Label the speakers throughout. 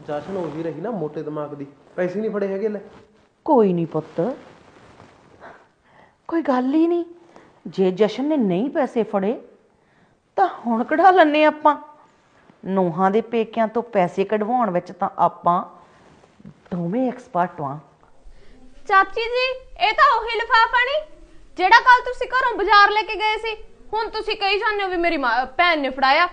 Speaker 1: ਜਸ਼ਨ ਉਹੀ ਰਹੀ ਨਾ ਮੋਟੇ ਦਿਮਾਗ ਦੀ, ਪੈਸੇ ਨਹੀਂ ਫੜੇ ਹੈਗੇ ਲੈ।
Speaker 2: ਕੋਈ ਨਹੀਂ ਪੁੱਤ, ਕੋਈ ਗੱਲ ਹੀ ਨਹੀਂ। ਜੇ ਜਸ਼ਨ ਨੇ ਨਹੀਂ ਪੈਸੇ ਫੜੇ ਤਾਂ ਹੁਣ ਕਢਾ ਲੈਣੇ ਆਪਾਂ। ਨੂੰਹਾਂ ਦੇ ਪੇਕਿਆਂ ਤੋਂ ਪੈਸੇ ਕਢਵਾਉਣ ਵਿੱਚ ਤਾਂ ਆਪਾਂ ਦੋਵੇਂ ਐਕਸਪਰਟ ਹਾਂ।
Speaker 3: ਚਾਚੀ ਜੀ, ਇਹ ਤਾਂ ਉਹੀ ਲਿਫਾਫਾ ਨਹੀਂ ਜਿਹੜਾ ਕੱਲ ਤੁਸੀਂ ਘਰੋਂ ਬਾਜ਼ਾਰ ਲੈ ਕੇ ਗਏ ਸੀ। ਹੁਣ ਤੁਸੀਂ ਕਹੀ ਜਾਂਦੇ ਹੋ ਵੀ ਮੇਰੀ ਭੈਣ ਨੇ ਫੜਾਇਆ।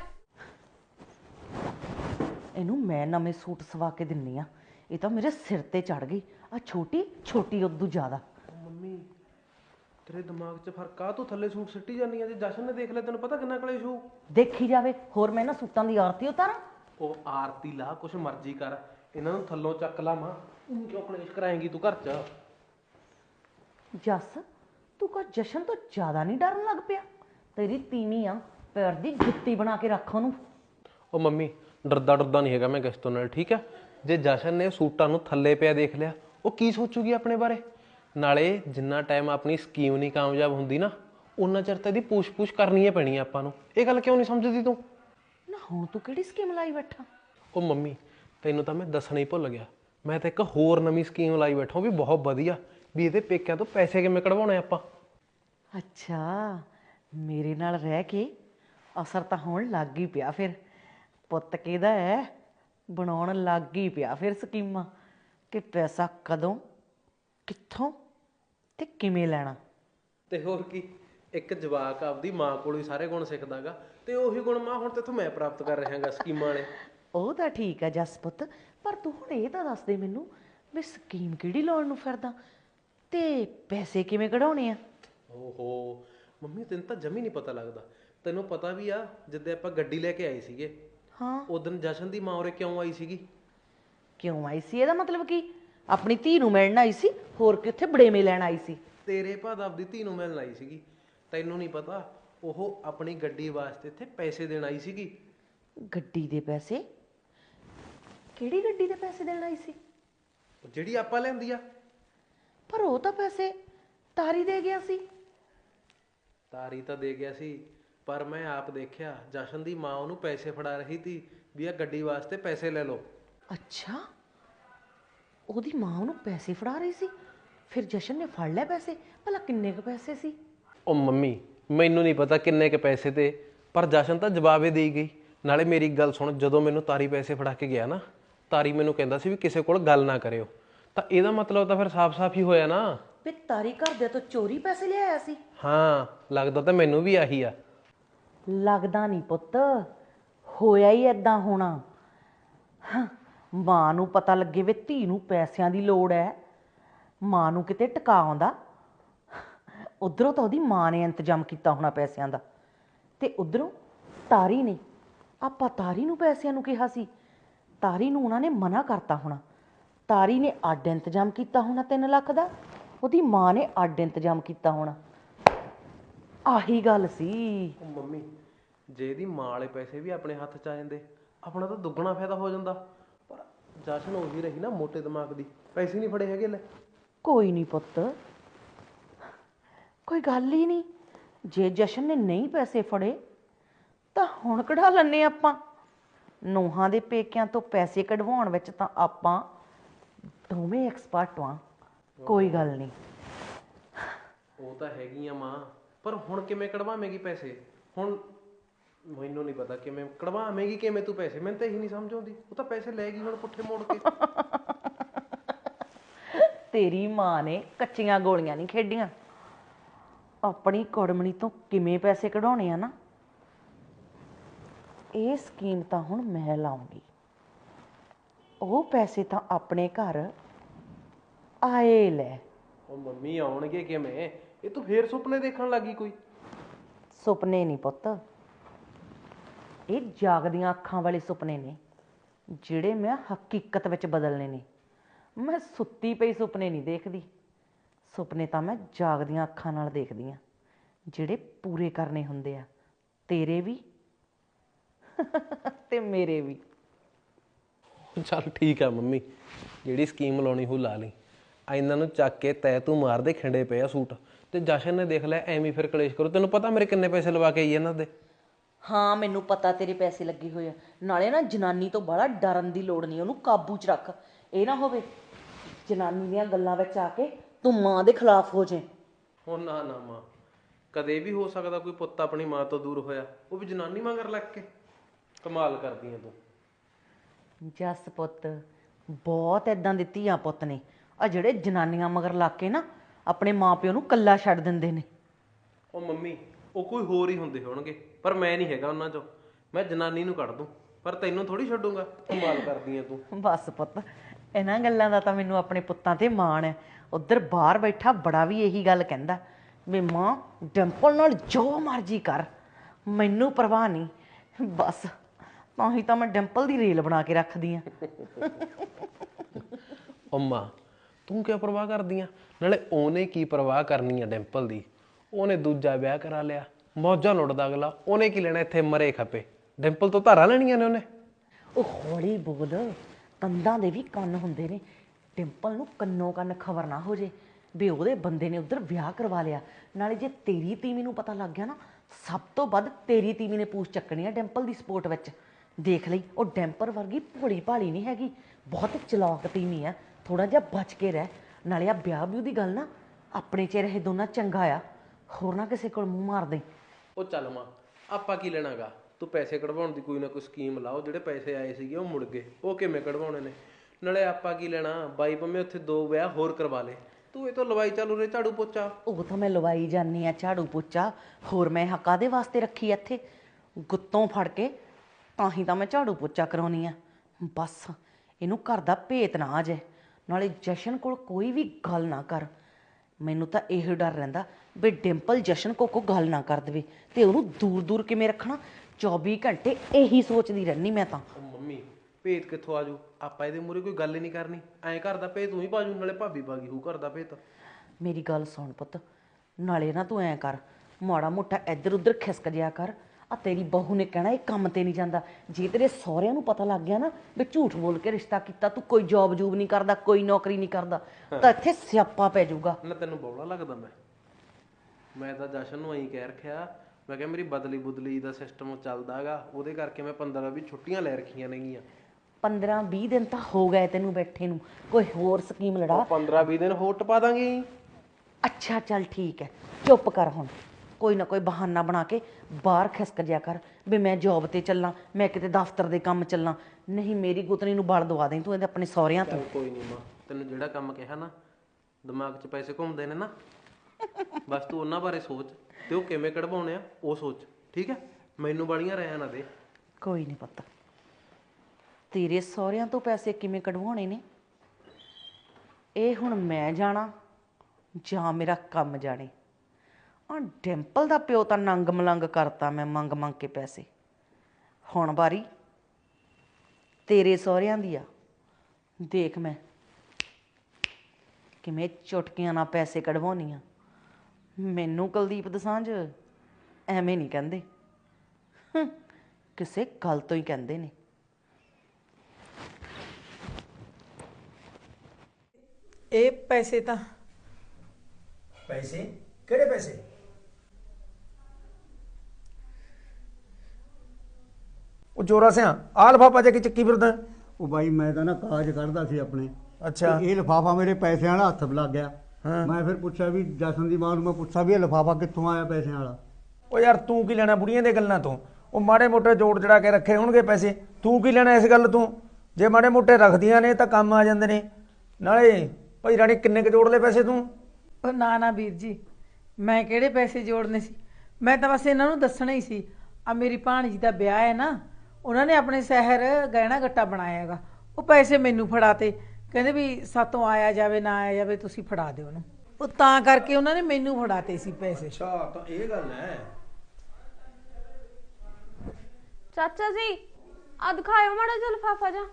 Speaker 2: ਇਹਨੂੰ ਮੈਂ ਨਵੇਂ ਸੂਟ ਸਵਾ ਕੇ ਦਿੰਨੀ ਆ, ਇਹ ਤਾਂ ਮੇਰੇ ਸਿਰ ਤੇ ਚੜ ਗਈ। ਆ ਛੋਟੀ ਛੋਟੀ ਉਦੋਂ ਜ਼ਿਆਦਾ।
Speaker 1: ਮੰਮੀ ਤੇਰੇ ਦਿਮਾਗ 'ਚ ਫਰਕ ਆ, ਤੂੰ ਥੱਲੇ ਸੂਟ ਸਿੱਟੀ ਜਾਂਦੀ ਆ। ਜੇ ਜਸ਼ਨ ਨੇ ਦੇਖ ਲਿਆ ਤੈਨੂੰ ਪਤਾ ਕਿੰਨਾ ਕਲੇਸ਼ ਹੋਊ।
Speaker 2: ਦੇਖੀ ਜਾਵੇ, ਹੋਰ ਮੈਂ ਇਹਨਾਂ ਸੂਟਾਂ ਦੀ ਆਰਤੀ ਉਤਾਰਾਂ।
Speaker 1: ਉਹ ਆਰਤੀ ਲਾ, ਕੁਛ ਮਰਜ਼ੀ ਕਰ, ਇਹਨਾਂ ਨੂੰ ਥੱਲੋਂ ਚੱਕ ਲਾ ਮਾਂ। ਕਿਉਂ ਕਲੇਸ਼ ਕਰਾਏਂਗੀ ਤੂੰ ਘਰ 'ਚ?
Speaker 2: ਜੱਸ, ਤੂੰ ਕਾ ਜਸ਼ਨ ਤੋਂ ਜ਼ਿਆਦਾ ਨਹੀਂ ਡਰਨ ਲੱਗ ਪਿਆ? ਤੇਰੀ ਤੀਵੀਂ ਆ, ਪੈਰ ਦੀ ਜੁੱਤੀ ਬਣਾ ਕੇ ਰੱਖ ਉਹਨੂੰ।
Speaker 1: ਉਹ ਮੰਮੀ ਡਰਦਾ ਨਹੀਂ ਹੈਗਾ ਮੈਂ ਕਿਸ ਤੋਂ ਨਾਲ, ਠੀਕ ਹੈ। ਜੇ ਜਸ਼ਨ ਨੇ ਸੂਟਾਂ ਨੂੰ ਥੱਲੇ ਪਿਆ ਦੇਖ ਲਿਆ, ਉਹ ਕੀ ਸੋਚੂਗੀ ਆਪਣੇ ਬਾਰੇ? ਨਾਲੇ ਜਿੰਨਾ ਟਾਈਮ ਆਪਣੀ ਸਕੀਮ ਨਹੀਂ ਕਾਮਯਾਬ ਹੁੰਦੀ ਨਾ, ਉਨਾ ਚਿਰ ਤਾਂ ਇਹਦੀ ਪੂਛ ਕਰਨੀ ਹੀ ਪੈਣੀ ਆ ਆਪਾਂ ਨੂੰ। ਇਹ ਗੱਲ ਕਿਉਂ ਨਹੀਂ ਸਮਝਦੀ ਤੂੰ?
Speaker 2: ਨਾ ਹੁਣ ਤੂੰ ਕਿਹੜੀ ਸਕੀਮ ਲਾਈ ਬੈਠਾ?
Speaker 1: ਉਹ ਮੰਮੀ ਤੈਨੂੰ ਤਾਂ ਮੈਂ ਦੱਸਣਾ ਹੀ ਭੁੱਲ ਗਿਆ, ਮੈਂ ਤਾਂ ਇੱਕ ਹੋਰ ਨਵੀਂ ਸਕੀਮ ਲਾਈ ਬੈਠਾ, ਵੀ ਬਹੁਤ ਵਧੀਆ, ਵੀ ਇਹਦੇ ਪੇਕਿਆਂ ਤੋਂ ਪੈਸੇ ਕਿਵੇਂ ਕਢਵਾਉਣੇ ਆਪਾਂ।
Speaker 2: ਅੱਛਾ, ਮੇਰੇ ਨਾਲ ਰਹਿ ਕੇ ਅਸਰ ਤਾਂ ਹੋਣ ਲੱਗ ਹੀ ਪਿਆ ਫਿਰ। ਪੁੱਤ ਕਿਹਦਾ ਹੈ, ਬਣਾਉਣ ਲੱਗ ਹੀ ਪਿਆ ਫਿਰ ਸਕੀਮਾਂ ਕਿ ਪੈਸਾ ਕਦੋਂ, ਕਿੱਥੋਂ ਤੇ ਕਿਵੇਂ ਲੈਣਾ।
Speaker 1: ਤੇ ਹੋਰ ਕੀ, ਇੱਕ ਜਵਾਕ ਆਪਦੀ ਮਾਂ ਕੋਲੋਂ ਹੀ ਸਾਰੇ ਗੁਣ ਸਿੱਖਦਾਗਾ, ਤੇ ਉਹੀ ਗੁਣ ਮਾਂ ਹੁਣ ਤੇਥੋਂ ਮੈਂ ਪ੍ਰਾਪਤ ਕਰ ਰਿਹਾਗਾ ਸਕੀਮਾਂ ਵਾਲੇ।
Speaker 2: ਉਹ ਤਾਂ ਠੀਕ ਹੈ ਜਸ ਪੁੱਤ, ਪਰ ਤੂੰ ਹੁਣ ਇਹ ਤਾਂ ਦੱਸ ਦੇ ਮੈਨੂੰ ਵੀ ਸਕੀਮ ਕਿਹੜੀ ਲਾਉਣ ਨੂੰ ਫਿਰਦਾ ਤੇ ਪੈਸੇ ਕਿਵੇਂ ਕਢਾਉਣੇ ਆ?
Speaker 1: ਓਹੋ ਮੰਮੀ ਤੈਨੂੰ ਤਾਂ ਜਮੀ ਨਹੀਂ ਪਤਾ ਲੱਗਦਾ। ਤੈਨੂੰ ਪਤਾ ਵੀ ਆ, ਜਿੱਦੇ ਆਪਾਂ ਗੱਡੀ ਲੈ ਕੇ ਆਏ ਸੀਗੇ,
Speaker 2: ਹਾਂ,
Speaker 1: ਉਦੋਂ ਜਸ਼ਨ ਦੀ ਮਾਂ ਉਰੇ ਕਿਉਂ ਆਈ ਸੀਗੀ?
Speaker 2: ਕਿਉਂ ਆਈ ਸੀ? ਇਹਦਾ ਮਤਲਬ ਕੀ? ਆਪਣੀ ਧੀ ਨੂੰ ਮਿਲਣ ਆਈ ਸੀ, ਹੋਰ ਕਿੱਥੇ ਬੜੇਵੇਂ ਲੈਣ ਆਈ ਸੀ?
Speaker 1: ਤੇਰੇ ਭਾਅ ਆਪਦੀ ਧੀ ਨੂੰ ਮਿਲਣ ਆਈ ਸੀਗੀ। ਤੈਨੂੰ ਨਹੀਂ ਪਤਾ, ਉਹ ਆਪਣੀ ਗੱਡੀ ਵਾਸਤੇ ਇੱਥੇ ਪੈਸੇ ਦੇਣ ਆਈ ਸੀਗੀ।
Speaker 2: ਗੱਡੀ ਦੇ ਪੈਸੇ? ਕਿਹੜੀ ਗੱਡੀ ਦੇ ਪੈਸੇ ਦੇਣ ਆਈ ਸੀ?
Speaker 1: ਜਿਹੜੀ ਆਪਾਂ ਲੈਂਦੀ ਆ।
Speaker 2: ਪਰ ਉਹ ਤਾਂ ਪੈਸੇ ਤਾਰੀ ਦੇ ਗਿਆ ਸੀ।
Speaker 1: ਤਾਰੀ ਤਾਂ ਦੇ ਗਿਆ ਸੀ, ਪਰ ਮੈਂ ਆਪ ਦੇਖਿਆ ਜਸ਼ਨ ਦੀ ਮਾਂ ਉਹਨੂੰ ਪੈਸੇ ਫੜਾ ਰਹੀ ਸੀ ਵੀ ਆ ਗੱਡੀ ਵਾਸਤੇ ਪੈਸੇ ਲੈ ਲਓ।
Speaker 2: ਅੱਛਾ, ਉਹਦੀ ਮਾਂ ਉਹਨੂੰ ਪੈਸੇ ਫੜਾ ਰਹੀ ਸੀ, ਫਿਰ ਜਸ਼ਨ ਨੇ ਫੜ ਲਿਆ ਪੈਸੇ। ਭਲਾ ਕਿੰਨੇ ਕੁ ਪੈਸੇ ਸੀ?
Speaker 1: ਉਹ ਮੰਮੀ ਮੈਨੂੰ ਨਹੀਂ ਪਤਾ ਕਿੰਨੇ ਕੁ ਪੈਸੇ ਤੇ, ਪਰ ਜਸ਼ਨ ਤਾਂ ਜਵਾਬੇ ਦੇ ਗਈ। ਨਾਲੇ ਮੇਰੀ ਗੱਲ ਸੁਣ, ਜਦੋਂ ਮੈਨੂੰ ਤਾਰੀ ਪੈਸੇ ਫੜਾ ਕੇ ਗਿਆ ਨਾ, ਤਾਰੀ ਮੈਨੂੰ ਕਹਿੰਦਾ ਸੀ ਵੀ ਕਿਸੇ ਕੋਲ ਗੱਲ ਨਾ ਕਰਿਓ, ਤਾਂ ਇਹਦਾ ਮਤਲਬ ਤਾਂ ਫਿਰ ਸਾਫ਼-ਸਾਫ਼ ਹੀ ਹੋਇਆ ਨਾ
Speaker 2: ਵੀ ਤਾਰੀ ਘਰਦਿਆਂ ਤੋਂ ਚੋਰੀ ਪੈਸੇ ਲਿਆਇਆ ਸੀ।
Speaker 1: ਹਾਂ, ਲੱਗਦਾ ਤਾਂ ਮੈਨੂੰ ਵੀ ਆਹੀ ਆ।
Speaker 2: ਲੱਗਦਾ ਨਹੀਂ ਪੁੱਤ, ਹੋਇਆ ਹੀ ਏਦਾਂ ਹੋਣਾ। ਹਾਂ, ਮਾਂ ਨੂੰ ਪਤਾ ਲੱਗੇ ਵੀ ਧੀ ਨੂੰ ਪੈਸਿਆਂ ਦੀ ਲੋੜ ਹੈ, ਮਾਂ ਨੂੰ ਕਿਤੇ ਟਿਕਾ ਆਉਂਦਾ। ਉਧਰੋਂ ਤਾਂ ਉਹਦੀ ਮਾਂ ਨੇ ਇੰਤਜ਼ਾਮ ਕੀਤਾ ਹੋਣਾ ਪੈਸਿਆਂ ਦਾ, ਤੇ ਉਧਰੋਂ ਤਾਰੀ ਨੇ, ਆਪਾਂ ਤਾਰੀ ਨੂੰ ਪੈਸਿਆਂ ਨੂੰ ਕਿਹਾ ਸੀ, ਤਾਰੀ ਨੂੰ ਉਹਨਾਂ ਨੇ ਮਨਾ ਕਰਤਾ ਹੋਣਾ। ਤਾਰੀ ਨੇ ਅੱਡ ਇੰਤਜ਼ਾਮ ਕੀਤਾ ਹੋਣਾ 3 ਲੱਖ ਦਾ, ਉਹਦੀ ਮਾਂ ਨੇ ਅੱਡ ਇੰਤਜ਼ਾਮ ਕੀਤਾ ਹੋਣਾ। ਆਹੀ ਗੱਲ ਸੀ।
Speaker 1: ਉਹ ਮੰਮੀ ਜੇ ਇਹਦੀ ਮਾਂ ਵਾਲੇ ਪੈਸੇ ਵੀ ਆਪਣੇ ਹੱਥ 'ਚ ਆ ਜਾਂਦੇ, ਆਪਣਾ ਤਾਂ ਦੁੱਗਣਾ ਫਾਇਦਾ ਹੋ ਜਾਂਦਾ। ਪਰ ਜਸ਼ਨ ਉਹੀ ਰਹੀ ਨਾ ਮੋਟੇ ਦਿਮਾਗ ਦੀ, ਪੈਸੇ ਨਹੀਂ ਫੜੇ ਹੈਗੇ ਲੈ।
Speaker 2: ਕੋਈ ਨਹੀਂ ਪੁੱਤ, ਕੋਈ ਗੱਲ ਹੀ ਨਹੀਂ। ਜੇ ਜਸ਼ਨ ਨੇ ਨਹੀਂ ਪੈਸੇ ਫੜੇ ਤਾਂ ਹੁਣ ਕਢਾ ਲੈਣੇ ਆਪਾਂ। ਨੂੰਹਾਂ ਦੇ ਪੇਕਿਆਂ ਤੋਂ ਪੈਸੇ ਕਢਵਾਉਣ ਵਿੱਚ ਤਾਂ ਆਪਾਂ ਦੋਵੇਂ ਐਕਸਪਰਟ ਹਾਂ। ਕੋਈ ਗੱਲ ਨਹੀਂ।
Speaker 1: ਉਹ ਤਾਂ ਹੈਗੀਆਂ ਮਾਂ, ਪਰ ਹੁਣ ਕਿਵੇਂ ਕਢਵਾਵੇਂਗੀ ਪੈਸੇ? ਹੁਣ ਮੈਨੂੰ ਨਹੀਂ ਪਤਾ ਕਿਵੇਂ ਕਢਵਾਵੇਂਗੀ, ਕਿਵੇਂ ਤੂੰ ਪੈਸੇ? ਮੈਨੂੰ ਤਾਂ ਇਹੀ ਨਹੀਂ ਸਮਝ ਆਉਂਦੀ। ਉਹ ਤਾਂ ਪੈਸੇ ਲੈ ਗਈ ਹੁਣ ਪੁੱਠੇ ਮੋੜ ਕੇ।
Speaker 2: ਤੇਰੀ ਮਾਂ ਨੇ ਕੱਚੀਆਂ ਗੋਲੀਆਂ ਨਹੀਂ ਖੇਡੀਆਂ। ਆਪਣੀ ਕੁੜਮਣੀ ਤੋਂ ਕਿਵੇਂ ਪੈਸੇ ਕਢਾਉਣੇ ਆ ਨਾ, ਇਹ ਸਕੀਮ ਤਾਂ ਹੁਣ ਮੈਂ ਲਾਉਂਗੀ। ਉਹ ਪੈਸੇ ਤਾਂ ਆਪਣੇ ਘਰ ਆਏ ਲੈ।
Speaker 1: ਉਹ ਮੰਮੀ ਆਉਣਗੇ ਕਿਵੇਂ? ਇਹ ਤੂੰ ਫੇਰ ਸੁਪਨੇ ਦੇਖਣ ਲੱਗੀ ਕੋਈ?
Speaker 2: ਸੁਪਨੇ ਨਹੀਂ ਪੁੱਤ, ਇਹ ਜਾਗਦੀਆਂ ਅੱਖਾਂ ਵਾਲੇ ਸੁਪਨੇ ਨੇ, ਜਿਹੜੇ ਮੈਂ ਹਕੀਕਤ ਵਿੱਚ ਬਦਲਨੇ ਨੇ। ਮੈਂ ਸੁੱਤੀ ਪਈ ਸੁਪਨੇ ਨਹੀਂ ਦੇਖਦੀ, ਸੁਪਨੇ ਤਾਂ ਮੈਂ ਜਾਗਦੀਆਂ ਅੱਖਾਂ ਨਾਲ ਦੇਖਦੀ ਹਾਂ, ਜਿਹੜੇ ਪੂਰੇ ਕਰਨੇ ਹੁੰਦੇ ਆ, ਤੇਰੇ ਵੀ ਤੇ ਮੇਰੇ ਵੀ।
Speaker 1: ਚੱਲ ਠੀਕ ਆ ਮੰਮੀ, ਜਿਹੜੀ ਸਕੀਮ ਲਾਉਣੀ ਹੋ ਲਾ ਲਈ। ਇਹਨਾਂ ਨੂੰ ਚੱਕ ਕੇ ਤੈ ਤੂੰ ਮਾਰਦੇ ਖਿੰਡੇ ਪਏ ਆ ਸੂਟ, ਤੇ ਜਸ਼ਨ ਨੇ ਦੇਖ ਲਿਆ ਐਵੇਂ ਫਿਰ ਕਲੇਸ਼ ਕਰੋ। ਤੈਨੂੰ ਪਤਾ ਮੇਰੇ ਕਿੰਨੇ ਪੈਸੇ ਲਵਾ ਕੇ ਆਈ ਇਹਨਾਂ ਦੇ?
Speaker 2: ਹਾਂ ਮੈਨੂੰ ਪਤਾ ਤੇਰੇ ਪੈਸੇ ਲੱਗੇ ਹੋਏ ਆ। ਨਾਲੇ ਨਾ ਜਨਾਨੀ ਤੋਂ ਬੜਾ ਡਰਨ ਦੀ ਲੋੜ ਨਹੀਂ, ਉਹਨੂੰ ਕਾਬੂ 'ਚ ਰੱਖ। ਇਹ ਨਾ ਹੋਵੇ ਜਨਾਨੀ ਦੀਆਂ ਗੱਲਾਂ ਵਿੱਚ ਆ ਕੇ ਤੂੰ ਮਾਂ ਦੇ ਖਿਲਾਫ ਹੋ ਜਾਏ।
Speaker 1: ਉਹ ਨਾ ਨਾ ਮਾਂ, ਕਦੇ ਵੀ ਹੋ ਸਕਦਾ ਕੋਈ ਪੁੱਤ ਆਪਣੀ ਮਾਂ ਤੋਂ ਦੂਰ ਹੋਇਆ, ਉਹ ਵੀ ਜਨਾਨੀ ਮਗਰ ਲੱਗ ਕੇ। ਕਮਾਲ ਕਰਦੀ ਆ ਤੂੰ।
Speaker 2: ਜੱਸ ਪੁੱਤ ਬਹੁਤ ਏਦਾਂ ਦੇ ਧੀਆਂ ਪੁੱਤ ਨੇ ਆ ਜਿਹੜੇ ਜਨਾਨੀਆਂ ਮਗਰ ਲੱਗ ਕੇ ਨਾ ਆਪਣੇ ਮਾਪਿਓ ਨੂੰ ਕੱਲਾ ਛੱਡ ਦਿੰਦੇ ਨੇ।
Speaker 1: ਉਹ ਮੰਮੀ, ਉਹ ਕੋਈ ਹੋਰ ਹੀ ਹੁੰਦੇ ਹੋਣਗੇ, ਪਰ ਮੈਂ ਨਹੀਂ ਹੈਗਾ ਉਹਨਾਂ ਚੋਂ। ਮੈਂ ਜਨਾਨੀ ਨੂੰ ਕੱਢ ਦੂੰ, ਪਰ ਤੈਨੂੰ ਥੋੜੀ ਛੱਡੂੰਗਾ। ਕਮਾਲ ਕਰਦੀ ਆ ਤੂੰ।
Speaker 2: ਬਸ ਪੁੱਤ ਇਹਨਾਂ ਗੱਲਾਂ ਦਾ ਤਾਂ ਮੈਨੂੰ ਆਪਣੇ ਪੁੱਤਾਂ ਤੇ ਮਾਣ ਹੈ। ਉੱਧਰ ਬਾਹਰ ਬੈਠਾ ਬੜਾ ਵੀ ਇਹੀ ਗੱਲ ਕਹਿੰਦਾ ਵੀ ਮਾਂ ਡਿੰਪਲ ਨਾਲ ਜੋ ਮਰਜ਼ੀ ਕਰ, ਮੈਨੂੰ ਪਰਵਾਹ ਨਹੀਂ। ਬਸ ਤਾਂ ਹੀ ਤਾਂ ਮੈਂ ਡਿੰਪਲ ਦੀ ਰੇਲ ਬਣਾ ਕੇ ਰੱਖਦੀ ਆ।
Speaker 1: ਅੰਮਾ ਤੂੰ ਕਿਉਂ ਪਰਵਾਹ ਕਰਦੀ ਆ? ਨਾਲੇ ਉਹਨੇ ਕੀ ਪਰਵਾਹ ਕਰਨੀ ਆ ਡਿੰਪਲ ਦੀ? ਉਹਨੇ ਦੂਜਾ ਵਿਆਹ ਕਰਾ ਲਿਆ, ਮੌਜਾਂ ਲੁੱਟਦਾ ਅਗਲਾ। ਉਹਨੇ ਕੀ ਲੈਣਾ ਇੱਥੇ ਮਰੇ ਖੱਪੇ? ਡਿੰਪਲ ਤੋਂ ਧਾਰਾਂ ਲੈਣੀਆਂ ਨੇ ਉਹਨੇ।
Speaker 2: ਉਹ ਹੌਲੀ ਬੋਲ, ਕੰਧਾਂ ਦੇ ਵੀ ਕੰਨ ਹੁੰਦੇ ਨੇ। ਡਿੰਪਲ ਨੂੰ ਕੰਨੋਂ ਕੰਨ ਖਬਰ ਨਾ ਹੋ ਜੇ ਵੀ ਉਹਦੇ ਬੰਦੇ ਨੇ ਉੱਧਰ ਵਿਆਹ ਕਰਵਾ ਲਿਆ। ਨਾਲੇ ਜੇ ਤੇਰੀ ਤੀਵੀਂ ਨੂੰ ਪਤਾ ਲੱਗ ਗਿਆ ਨਾ, ਸਭ ਤੋਂ ਵੱਧ ਤੇਰੀ ਤੀਵੀਂ ਨੇ ਪੂਛ ਚੱਕਣੀ ਆ ਡਿੰਪਲ ਦੀ ਸਪੋਰਟ ਵਿੱਚ। ਦੇਖ ਲਈ, ਉਹ ਡੈਂਪਰ ਵਰਗੀ ਭੋਲੀ ਭਾਲੀ ਨਹੀਂ ਹੈਗੀ, ਬਹੁਤ ਚਲਾਕ ਤੀਵੀਂ ਆ। ਥੋੜਾ ਜਿਹਾ ਬਚ ਕੇ ਰਹਿ। ਨਾਲੇ ਆ ਵਿਆਹ ਵਿਊ ਦੀ ਗੱਲ ਨਾ ਆਪਣੇ 'ਚ ਰਹੇ ਦੋਨਾਂ ਚੰਗਾ ਆ, ਹੋਰ ਨਾ ਕਿਸੇ ਕੋਲ ਮੂੰਹ ਮਾਰ ਦੇ।
Speaker 1: ਉਹ ਚੱਲ ਮਾਂ, ਆਪਾਂ ਕੀ ਲੈਣਾਗਾ? ਤੂੰ ਪੈਸੇ ਕਢਵਾਉਣ ਦੀ ਕੋਈ ਨਾ ਕੋਈ ਸਕੀਮ ਲਾਓ। ਜਿਹੜੇ ਪੈਸੇ ਆਏ ਸੀਗੇ ਉਹ ਮੁੜ ਗਏ, ਉਹ ਕਿਵੇਂ ਕਢਵਾਉਣੇ ਨੇ? ਨਾਲੇ ਆਪਾਂ ਕੀ ਲੈਣਾ? ਬਾਈ ਪੰਮੇ ਉੱਥੇ 2 ਵਿਆਹ ਹੋਰ ਕਰਵਾ ਲੇ। ਤੂੰ ਇਹ ਤੋਂ ਲਵਾਈ ਚੱਲ ਉਰੇ ਝਾੜੂ ਪੋਚਾ।
Speaker 2: ਉਹ ਤਾਂ ਮੈਂ ਲਵਾਈ ਜਾਂਦੀ ਆ ਝਾੜੂ ਪੋਚਾ, ਹੋਰ ਮੈਂ ਕਾਹਦੇ ਵਾਸਤੇ ਰੱਖੀ ਇੱਥੇ? ਗੁੱਤੋਂ ਫੜ ਕੇ ਤਾਂ ਹੀ ਤਾਂ ਮੈਂ ਝਾੜੂ ਪੋਚਾ ਕਰਾਉਣੀ ਆ। ਬਸ ਇਹਨੂੰ ਘਰ ਦਾ ਭੇਤ ਨਾ ਆ ਜਾਏ। ਨਾਲੇ ਜਸ਼ਨ ਕੋਲ ਕੋਈ ਵੀ ਗੱਲ ਨਾ ਕਰ। ਮੈਨੂੰ ਤਾਂ ਇਹੋ ਡਰ ਰਹਿੰਦਾ ਵੀ ਡਿੰਪਲ ਜਸ਼ਨ ਕੋ ਗੱਲ ਨਾ ਕਰ ਦੇਵੇ ਤੇ ਉਹਨੂੰ ਦੂਰ ਦੂਰ ਕਿਵੇਂ ਰੱਖਣਾ। 24 ਘੰਟੇ ਇਹੀ ਸੋਚਦੀ ਰਹਿੰਦੀ ਮੈਂ ਤਾਂ।
Speaker 1: ਉਹ ਮੰਮੀ, ਭੇਤ ਕਿੱਥੋਂ ਆਜੂ? ਆਪਾਂ ਇਹਦੇ ਮੂਹਰੇ ਕੋਈ ਗੱਲ ਹੀ ਨਹੀਂ ਕਰਨੀ। ਐਂ ਘਰ ਦਾ ਭੇਤ ਤੂੰ ਹੀ ਬਾਜੂ, ਨਾਲੇ ਭਾਬੀ ਬਾਗੀ ਹੂ ਘਰ ਦਾ ਭੇਤ।
Speaker 2: ਮੇਰੀ ਗੱਲ ਸੁਣ ਪੁੱਤ, ਨਾਲੇ ਨਾ ਤੂੰ ਐਂ ਕਰ, ਮਾੜਾ ਮੋਟਾ ਇੱਧਰ ਉੱਧਰ ਖਿਸਕ ਜਿਆ ਕਰ। ਆ ਤੇਰੀ ਬਹੂ ਨੇ ਕਹਿਣਾ ਇਹ ਕੰਮ ਤੇ ਨਹੀਂ ਜਾਂਦਾ। ਜੇ ਤੇਰੇ ਸਹੁਰਿਆਂ ਨੂੰ ਪਤਾ ਲੱਗ ਗਿਆ ਨਾ ਵੀ ਝੂਠ ਬੋਲ ਕੇ ਰਿਸ਼ਤਾ ਕੀਤਾ, ਤੂੰ ਕੋਈ ਜੋਬ ਜੂਬ ਨਹੀਂ ਕਰਦਾ, ਕੋਈ ਨੌਕਰੀ ਨਹੀਂ ਕਰਦਾ, ਤਾਂ ਇੱਥੇ ਸਿਆਪਾ ਪੈ ਜਾਊਗਾ।
Speaker 1: ਨਾ ਤੈਨੂੰ ਬੌਲਾ ਲੱਗਦਾ? ਮੈਂ ਤਾਂ ਜਸ਼ਨ ਨੂੰ ਐਂ ਕਹਿ ਰੱਖਿਆ, ਮੈਂ ਕਿਹਾ ਮੇਰੀ ਬਦਲੀ ਬੁਦਲੀ ਦਾ ਸਿਸਟਮ ਚੱਲਦਾ ਹੈਗਾ, ਉਹਦੇ ਕਰਕੇ ਮੈਂ 15-20 ਛੁੱਟੀਆਂ ਲੈ ਰੱਖੀਆਂ ਨੇਗੀਆਂ।
Speaker 2: 15-20 ਦਿਨ ਤਾਂ ਹੋ ਗਏ ਤੈਨੂੰ ਬੈਠੇ ਨੂੰ, ਕੋਈ ਹੋਰ ਸਕੀਮ ਲੜਾ।
Speaker 1: 15-20 ਦਿਨ ਹੋਰ ਟਪਾ ਦਾਂਗੇ।
Speaker 2: ਅੱਛਾ ਚੱਲ ਠੀਕ ਹੈ, ਚੁੱਪ ਕਰ ਹੁਣ। ਕੋਈ ਨਾ ਕੋਈ ਬਹਾਨਾ ਬਣਾ ਕੇ ਬਾਹਰ ਖਿਸਕ ਜਿਆ ਕਰ ਵੀ ਮੈਂ ਜੋਬ ਤੇ ਚੱਲਾਂ, ਮੈਂ ਕਿਤੇ ਦਫ਼ਤਰ ਦੇ ਕੰਮ ਚੱਲਾਂ। ਨਹੀਂ ਮੇਰੀ ਗੁੱਤਨੀ ਨੂੰ ਬਲ ਦਵਾ ਦੇ ਤੂੰ ਇਹਦੇ ਆਪਣੇ ਸਹੁਰਿਆਂ ਤੋਂ।
Speaker 1: ਕੋਈ ਨਹੀਂ ਮਾਂ, ਤੈਨੂੰ ਜਿਹੜਾ ਕੰਮ ਕਿਹਾ ਨਾ, ਦਿਮਾਗ 'ਚ ਪੈਸੇ ਘੁੰਮਦੇ ਨੇ ਨਾ, ਬਸ ਤੂੰ ਉਹਨਾਂ ਬਾਰੇ ਸੋਚ ਤੇ ਉਹ ਕਿਵੇਂ ਕਢਵਾਉਣੇ ਆ ਉਹ ਸੋਚ, ਠੀਕ ਹੈ? ਮੈਨੂੰ ਬਾਲੀਆਂ ਰਹਿ ਨਾ ਦੇ।
Speaker 2: ਕੋਈ ਨਹੀਂ ਪਤਾ ਤੇਰੇ ਸਹੁਰਿਆਂ ਤੋਂ ਪੈਸੇ ਕਿਵੇਂ ਕਢਵਾਉਣੇ ਨੇ, ਇਹ ਹੁਣ ਮੈਂ ਜਾਣਾ ਜਾਂ ਮੇਰਾ ਕੰਮ ਜਾਣੇ। ਆ ਡਿੰਪਲ ਦਾ ਪਿਓ ਤਾਂ ਨੰਗ ਮਲੰਗ ਕਰਤਾ ਮੈਂ ਮੰਗ ਮੰਗ ਕੇ ਪੈਸੇ। ਹੁਣ ਵਾਰੀ ਤੇਰੇ ਸਹੁਰਿਆਂ ਦੀ ਆ। ਦੇਖ ਮੈਂ ਕਿਵੇਂ ਚੁਟਕੀਆਂ ਨਾਲ ਪੈਸੇ ਕਢਵਾਉਣੀ ਆ। ਮੈਨੂੰ ਕੁਲਦੀਪ ਦਸਾਂਝ ਐਵੇਂ ਨਹੀਂ ਕਹਿੰਦੇ, ਕਿਸੇ ਗੱਲ ਤੋਂ ਹੀ ਕਹਿੰਦੇ ਨੇ।
Speaker 4: ਇਹ ਪੈਸੇ ਤਾਂ
Speaker 5: ਪੈਸੇ ਕਿਹੜੇ ਪੈਸੇ? ਉਹ ਚੋਰਾ ਸਿਆ ਆਹ ਲਿਫਾਫਾ ਜੇ ਕਿ ਚੱਕੀ ਫਿਰਦਾ।
Speaker 6: ਉਹ ਬਾਈ ਮੈਂ ਤਾਂ ਨਾ ਕਾਜ ਕੱਢਦਾ ਸੀ ਆਪਣੇ,
Speaker 5: ਅੱਛਾ
Speaker 6: ਤੇ ਇਹ ਲਿਫਾਫਾ ਮੇਰੇ ਪੈਸਿਆਂ ਵਾਲਾ ਹੱਥ ਲੱਗ ਗਿਆ।
Speaker 5: ਹਾਂ।
Speaker 6: ਮੈਂ ਫਿਰ ਪੁੱਛਿਆ ਵੀ ਜਸਨ ਦੀ ਮਾਂ ਨੂੰ, ਮੈਂ ਪੁੱਛਿਆ ਵੀ ਇਹ ਲਿਫਾਫਾ ਕਿੱਥੋਂ ਆਇਆ ਪੈਸਿਆਂ ਵਾਲਾ।
Speaker 5: ਉਹ ਯਾਰ ਤੂੰ ਕੀ ਲੈਣਾ ਬੁੜੀਆਂ ਦੇ ਗੱਲਾਂ ਤੋਂ? ਉਹ ਮਾੜੇ ਮੋਟੇ ਜੋੜ ਜੜਾ ਕੇ ਰੱਖੇ ਹੋਣਗੇ ਪੈਸੇ, ਤੂੰ ਕੀ ਲੈਣਾ ਇਸ ਗੱਲ ਤੋਂ? ਜੇ ਮਾੜੇ ਮੋਟੇ ਰੱਖਦੀਆਂ ਨੇ ਤਾਂ ਕੰਮ ਆ ਜਾਂਦੇ ਨੇ। ਨਾਲੇ ਭਾਈ ਰਾਣੀ ਕਿੰਨੇ ਕੁ ਜੋੜ ਲਏ ਪੈਸੇ ਤੂੰ?
Speaker 4: ਉਹ ਨਾ ਨਾ ਵੀਰ ਜੀ, ਮੈਂ ਕਿਹੜੇ ਪੈਸੇ ਜੋੜਨੇ ਸੀ? ਮੈਂ ਤਾਂ ਬਸ ਇਹਨਾਂ ਨੂੰ ਦੱਸਣਾ ਹੀ ਸੀ। ਆ ਮੇਰੀ ਭਾਣਜੀ ਦਾ ਵਿਆਹ ਹੈ ਨਾ, ਉਹਨਾਂ ਨੇ ਆਪਣੇ ਸ਼ਹਿਰ ਗਹਿਣਾ ਗੱਟਾ ਬਣਾਇਆ ਹੈਗਾ, ਉਹ ਪੈਸੇ ਮੈਨੂੰ ਫੜਾਤੇ। ਕਹਿੰਦੇ ਵੀ ਸਾਤੋਂ ਆਇਆ ਜਾਵੇ ਨਾ ਆਇਆ ਜਾਵੇ ਤੁਸੀਂ ਫੜਾ ਦਿਓ ਉਹਨੂੰ। ਉਹ ਤਾਂ ਕਰਕੇ ਉਹਨਾਂ ਨੇ ਮੈਨੂੰ ਫੜਾਤੇ ਸੀ ਪੈਸੇ।
Speaker 5: ਅੱਛਾ ਤਾਂ ਇਹ ਗੱਲ ਹੈ।
Speaker 3: ਚਾਚਾ ਜੀ ਆ ਦਿਖਾਇਓ ਮਾੜਾ ਜਿਹਾ ਲਿਫਾਫਾ ਜਾ।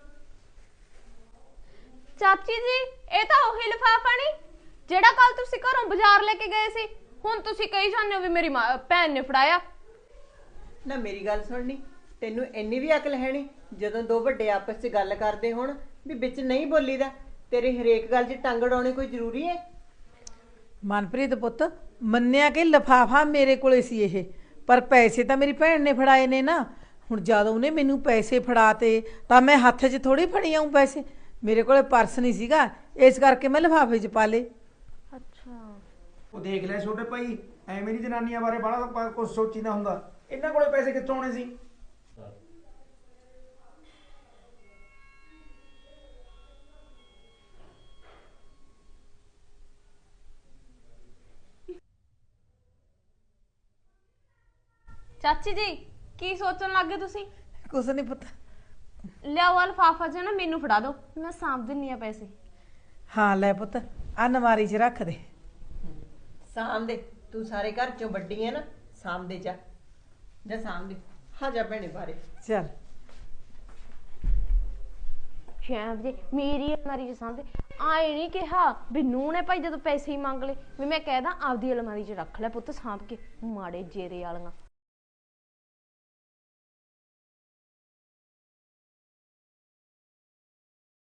Speaker 3: ਚਾਚੀ ਜੀ ਇਹ ਤਾਂ ਉਹੀ ਲਿਫਾਫਾ ਨਹੀਂ ਜਿਹੜਾ ਕੱਲ ਤੁਸੀਂ ਘਰੋਂ ਬਾਜ਼ਾਰ ਲੈ ਕੇ ਗਏ ਸੀ। ਹੁਣ ਤੁਸੀਂ ਕਹੀ ਜਾਂਦੇ ਹੋ ਵੀ ਮੇਰੀ ਭੈਣ ਨੇ ਫੜਾਇਆ।
Speaker 7: ਨਾ ਮੇਰੀ ਗੱਲ ਸੁਣਨੀ, ਤੈਨੂੰ ਇੰਨੀ ਵੀ ਅਕਲ ਹੈ ਨਹੀਂ ਜਦੋਂ ਦੋ ਵੱਡੇ ਆਪਸ 'ਚ ਗੱਲ ਕਰਦੇ ਹੋਣ ਵੀ ਵਿੱਚ ਨਹੀਂ ਬੋਲੀਦਾ? ਤੇਰੇ ਹਰੇਕ ਗੱਲ 'ਚ ਟੰਗ ਅੜਾਉਣੀ ਕੋਈ ਜ਼ਰੂਰੀ ਹੈ?
Speaker 4: ਮਨਪ੍ਰੀਤ ਪੁੱਤ, ਮੰਨਿਆ ਕਿ ਲਿਫਾਫਾ ਮੇਰੇ ਕੋਲੇ ਸੀ ਇਹ, ਪਰ ਪੈਸੇ ਤਾਂ ਮੇਰੀ ਭੈਣ ਨੇ ਫੜਾਏ ਨੇ ਨਾ। ਹੁਣ ਜਦੋਂ ਉਹਨੇ ਮੈਨੂੰ ਪੈਸੇ ਫੜਾਤੇ ਤਾਂ ਮੈਂ ਹੱਥ 'ਚ ਥੋੜੀ ਫੜੀ ਆਉਂ ਪੈਸੇ। ਮੇਰੇ ਕੋਲੇ ਪਰਸ ਨਹੀਂ ਸੀਗਾ, ਇਸ ਕਰਕੇ ਮੈਂ ਲਿਫਾਫੇ 'ਚ ਪਾ ਲਏ।
Speaker 3: ਅੱਛਾ
Speaker 5: ਉਹ ਦੇਖ ਲੈ ਛੋਟੇ ਭਾਈ, ਐਵੇਂ ਨਹੀਂ ਜਨਾਨੀਆਂ ਬਾਰੇ ਬੜਾ ਕੁਝ ਸੋਚੀਦਾ ਹੁੰਦਾ। ਇਹਨਾਂ ਕੋਲੇ ਪੈਸੇ ਕਿੱਥੋਂ ਆਉਣੇ ਸੀ?
Speaker 3: ਚਾਚੀ ਜੀ ਕੀ ਸੋਚਣ ਲੱਗੇ ਤੁਸੀਂ?
Speaker 4: ਕੁਛ ਨਹੀਂ ਪਤਾ।
Speaker 3: ਲਿਆਓ ਆਹ ਲਿਫਾਫਾ ਜਿਹਾ ਨਾ ਮੈਨੂੰ ਫੜਾ ਦਿਓ, ਮੈਂ ਸਾਂਭ ਦਿੰਨੀ ਆ ਪੈਸੇ।
Speaker 4: ਹਾਂ ਲੈ ਪੁੱਤ, ਆ ਨਮਾਰੀ 'ਚ ਰੱਖ ਦੇ।
Speaker 7: ਸਾਂਭਦੇ, ਤੂੰ ਸਾਰੇ ਘਰ ਚੋਂ ਵੱਡੀ ਹੈ ਨਾ, ਸਾਂਭਦੇ ਜਾ ਸਾਂਭਦੇ। ਹਾਂ ਜਾ ਭੈਣੇ ਬਾਰੇ।
Speaker 4: ਚੱਲ
Speaker 3: ਸ਼ਾਮ ਜੀ ਮੇਰੀ ਅਲਮਾਰੀ 'ਚ ਸਾਂਭਦੇ, ਆਏ ਨਹੀਂ ਕਿਹਾ ਵੀ ਨੂੰਹ ਨੇ ਭਾਈ ਜਦੋਂ ਪੈਸੇ ਹੀ ਮੰਗ ਲਏ ਵੀ ਮੈਂ ਕਹਿਦਾ ਆਪਦੀ ਅਲਮਾਰੀ 'ਚ ਰੱਖ ਲੈ ਪੁੱਤ ਸਾਂਭ ਕੇ, ਮਾੜੇ ਜੇਰੇ ਵਾਲੀਆਂ।